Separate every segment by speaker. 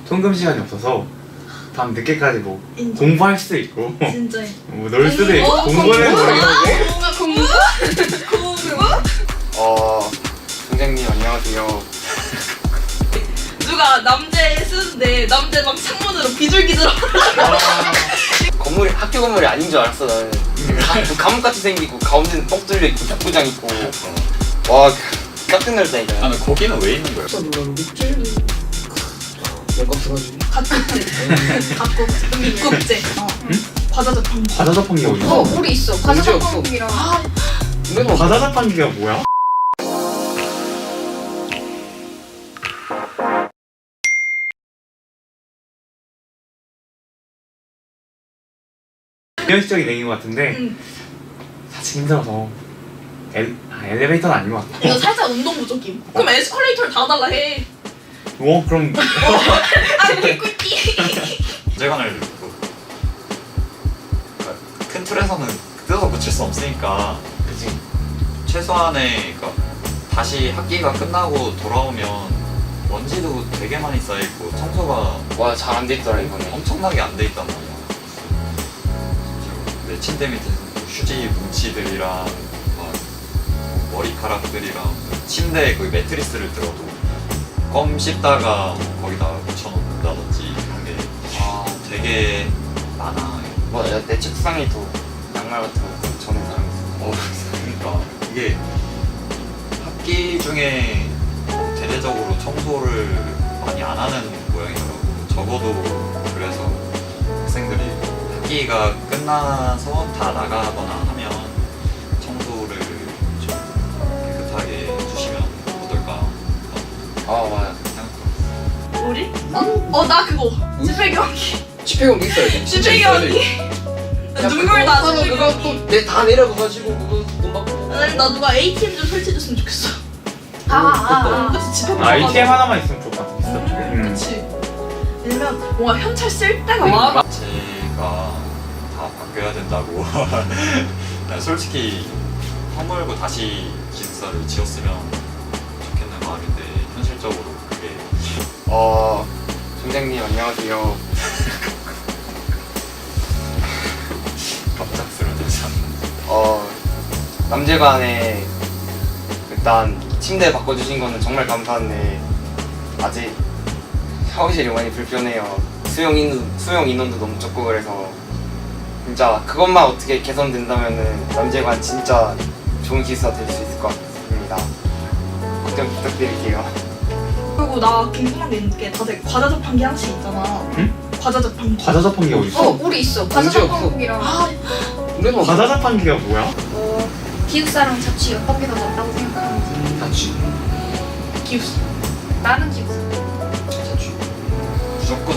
Speaker 1: 통금 시간이 없어서 밤 늦게까지 뭐
Speaker 2: 인정.
Speaker 1: 공부할 수도 있고
Speaker 2: 진짜.
Speaker 1: 뭐 놀 수도 있고 공부는 모르겠는데
Speaker 2: 뭔가 공부?
Speaker 3: 선생님 안녕하세요.
Speaker 2: 누가 남재 쓰는데 남재 막 창문으로 비둘기들어.
Speaker 3: 건물이 학교 건물이 아닌 줄 알았어 나는. 감옥같이 생기고 가운데는 뻥 뚫려 있고 탁구장 있고. 와 깜짝 놀랐다니까.
Speaker 4: 아, 근데 거기는 왜 있는 거야?
Speaker 3: 내값 들어가지.
Speaker 2: 갓국제, 밑국제. 과자 자판기.
Speaker 1: 과자 자판기가 어딨어?
Speaker 5: 우리 있어.
Speaker 3: 문제
Speaker 5: 과자
Speaker 3: 없어.
Speaker 5: 자판기랑.
Speaker 3: 근데
Speaker 1: 과자 자판기가 뭐야? 현실적인 얘기인 것 같은데 사실 힘들어서 엘리베이터는 아닌 것 같아.
Speaker 2: 이거 살짝 운동 부족임. 그럼 에스컬레이터를 달아달라 해.
Speaker 1: 그럼
Speaker 2: 아 개꿀띠.
Speaker 4: 문제관을 큰 틀에서는 뜯어서 고칠 수 없으니까
Speaker 3: 그치.
Speaker 4: 최소한의 다시 학기가 끝나고 돌아오면 먼지도 되게 많이 쌓여있고 청소가
Speaker 3: 와 잘 안 돼 있더라 이번에.
Speaker 4: 엄청나게 안 돼 있단 말이야. 내 침대 밑에 휴지 뭉치들이랑 막 머리카락들이랑 침대에 거기 매트리스를 들어도 껌 씹다가 거기다 묻혀놓는다든지 이런 게 되게 많아.
Speaker 3: 맞아 내 책상에도 양말 같은 거 전에 사람 있어.
Speaker 4: 그러니까 이게 학기 중에 대대적으로 청소를 많이 안 하는 모양이더라고. 적어도 그래서 학생들이 학기가 끝나서 다 나가거나 하면 청소를 좀 깨끗하게 해주시면 어떨까
Speaker 3: 맞아.
Speaker 4: 생각해봤어.
Speaker 2: 우리? 나 그거. 집회 경기.
Speaker 3: 집회경도 있어야지.
Speaker 2: 집회 경기. 눈물 나.
Speaker 3: 그거
Speaker 2: 집회
Speaker 3: 그거
Speaker 2: 경기.
Speaker 3: 또다 내려가가지고 그거 돈 받고.
Speaker 2: 나 누가 ATM 좀 설치해줬으면 좋겠어. 그치 집회 경기.
Speaker 1: ATM 하나만 있으면 좋을 것 같아.
Speaker 2: 그치. 왜냐면 뭔가 현찰 쓸 때가 많아.
Speaker 4: 제가 다 바뀌어야 된다고. 난 솔직히 허물고 다시 기숙사를 지었으면 좋겠는 마음인데 현실적으로 그게
Speaker 3: 선생님 안녕하세요.
Speaker 4: 갑작스러워지지 않는.
Speaker 3: 남재관에 일단 침대 바꿔주신 거는 정말 감사한데 아직 샤워실이 많이 불편해요. 수용 인원도 너무 적고 그래서 진짜 그것만 어떻게 개선된다면은 남재관 진짜 좋은 기숙사 될 수 있을 것 같습니다. 걱정 부탁드릴게요.
Speaker 2: 그리고 나 궁금한 게 있는 게 다들 과자 자판기 하나씩 있잖아.
Speaker 1: 응?
Speaker 2: 과자 자판기.
Speaker 1: 과자 자판기가 어딨어?
Speaker 5: 우리 있어. 과자
Speaker 3: 문제 없어.
Speaker 5: 자판기랑.
Speaker 3: 그래도
Speaker 1: 과자 자판기가 뭐야?
Speaker 5: 기숙사랑 자취 옆밖에 더 낫다고 생각하는지.
Speaker 3: 자취.
Speaker 2: 기숙사.
Speaker 5: 나는 기숙사.
Speaker 3: 자취.
Speaker 4: 무조건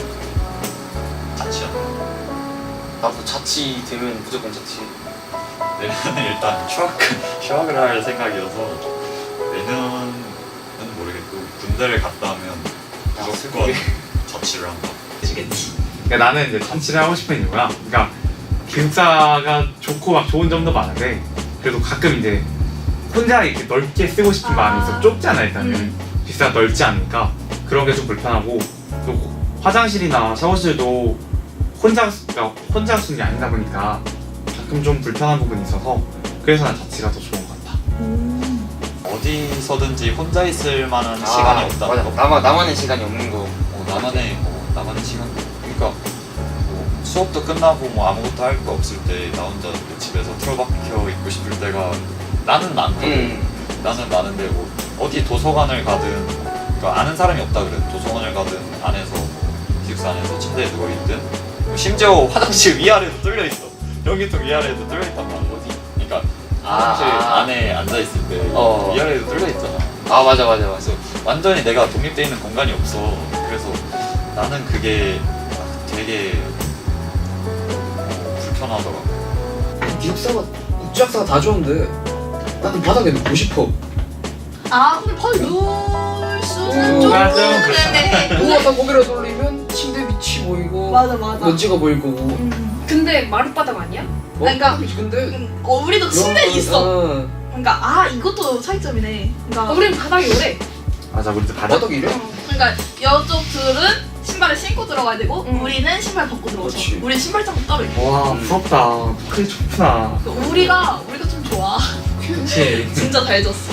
Speaker 4: 자취야.
Speaker 3: 나도 자취 되면 무조건 자취.
Speaker 4: 내년에 일단 휴학을 할 생각이어서 내년은 모르겠고 군대를 갔다 오면 무조건
Speaker 3: 슬프게.
Speaker 4: 자취를 한다.
Speaker 2: 그치.
Speaker 1: 그러니까 나는 이제 자취를 하고 싶은 이유가 그러니까 기숙사가 좋고 막 좋은 점도 많은데 그래도 가끔 이제 혼자 이렇게 넓게 쓰고 싶은 마음이 있어. 좁잖아 일단은. 기숙사가 넓지 않으니까 그런 게 좀 불편하고 또 화장실이나 샤워실도 혼자 쓰는 게 아니다 보니까 가끔 좀 불편한 부분이 있어서 그래서 난 자취가 더 좋은 것 같아.
Speaker 4: 어디서든지 혼자 있을 만한 시간이 없다.
Speaker 3: 맞아. 나만의 시간이 없는 거.
Speaker 4: 나만의 시간. 그러니까 뭐 수업도 끝나고 뭐 아무것도 할 거 없을 때 나 혼자 집에서 틀어박혀 있고 싶을 때가 나는 많거든. 나는 많은데 뭐 어디 도서관을 가든 그러니까 아는 사람이 없다 그래. 도서관을 가든 안에서 기숙사 안에서 침대에 누워 있든 심지어 화장실 위아래도 뚫려 있어. 변기통 위아래도 뚫려 있단 말이야. 어디? 그러니까 화장실 안에 앉아 있을 때 위아래도 뚫려 있잖아.
Speaker 3: 맞아.
Speaker 4: 그래서 완전히 내가 독립돼 있는 공간이 없어. 그래서 나는 그게 되게 불편하더라고.
Speaker 6: 기숙사가 국제학사가 다 좋은데 나는 바닥에 눕고 싶어.
Speaker 2: 근데 거의 누울 수는 좀
Speaker 1: 맞아,
Speaker 2: 그러네.
Speaker 6: 누워서 고개를 돌리면 침대 밑이 보이고
Speaker 2: 맞아.
Speaker 6: 먼지가 보일 거고.
Speaker 5: 근데 마룻바닥 아니야?
Speaker 2: 그러니까
Speaker 6: 근데
Speaker 2: 우리도 침대 있어.
Speaker 6: 어,
Speaker 2: 그러니까 이것도 차이점이네. 그러니까
Speaker 5: 우린 바닥이 오래.
Speaker 1: 맞아 우리 집 바닥
Speaker 6: 바닥이 이래?
Speaker 2: 그러니까 여쪽들은 신발을 신고 들어가야 되고
Speaker 5: 응.
Speaker 2: 우리는 신발 벗고 들어가죠.
Speaker 6: 그렇지.
Speaker 2: 우리 신발장도 따로 있고.
Speaker 1: 와 부럽다. 그게 좋구나.
Speaker 2: 우리가 좀 좋아.
Speaker 1: 그치.
Speaker 2: 진짜 잘 졌어.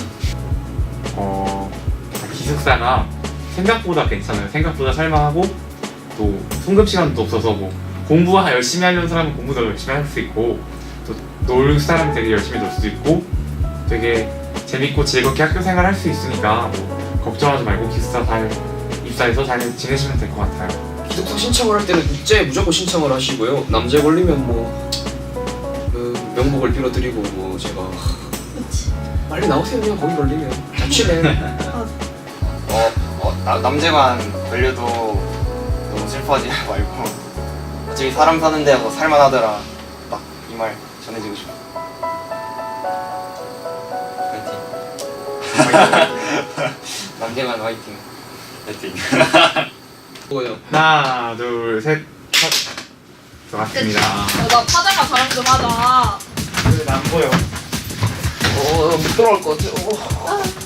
Speaker 1: 기숙사가 생각보다 괜찮아요. 생각보다 살만하고 또 송급 시간도 없어서 뭐 공부 열심히 하려는 사람은 공부도 열심히 할 수 있고 또 놀 사람은 되게 열심히 놀 수도 있고 되게 재밌고 즐겁게 학교 생활 할 수 있으니까 뭐 걱정하지 말고 기숙사 잘 입사해서 잘 지내시면 될 것 같아요.
Speaker 6: 기숙사 신청을 할 때는 국제 무조건 신청을 하시고요. 남자에 걸리면 뭐 명복을 빌어드리고 뭐 제가
Speaker 2: 그렇지.
Speaker 6: 빨리 나오세요. 그냥 거기 걸리면 자취해.
Speaker 3: 남재관 걸려도 너무 슬퍼하지 말고 어차피 사람 사는 데여서 살만하더라. 딱 이 말 전해주고 싶어. 화이팅. 남재관 화이팅.
Speaker 4: 파이팅.
Speaker 6: 뭐요?
Speaker 1: 하나 둘셋 들어갔습니다.
Speaker 2: 나 파자마 자랑 좀 하자.
Speaker 1: 안 보여.
Speaker 6: 못 들어갈 것 같아.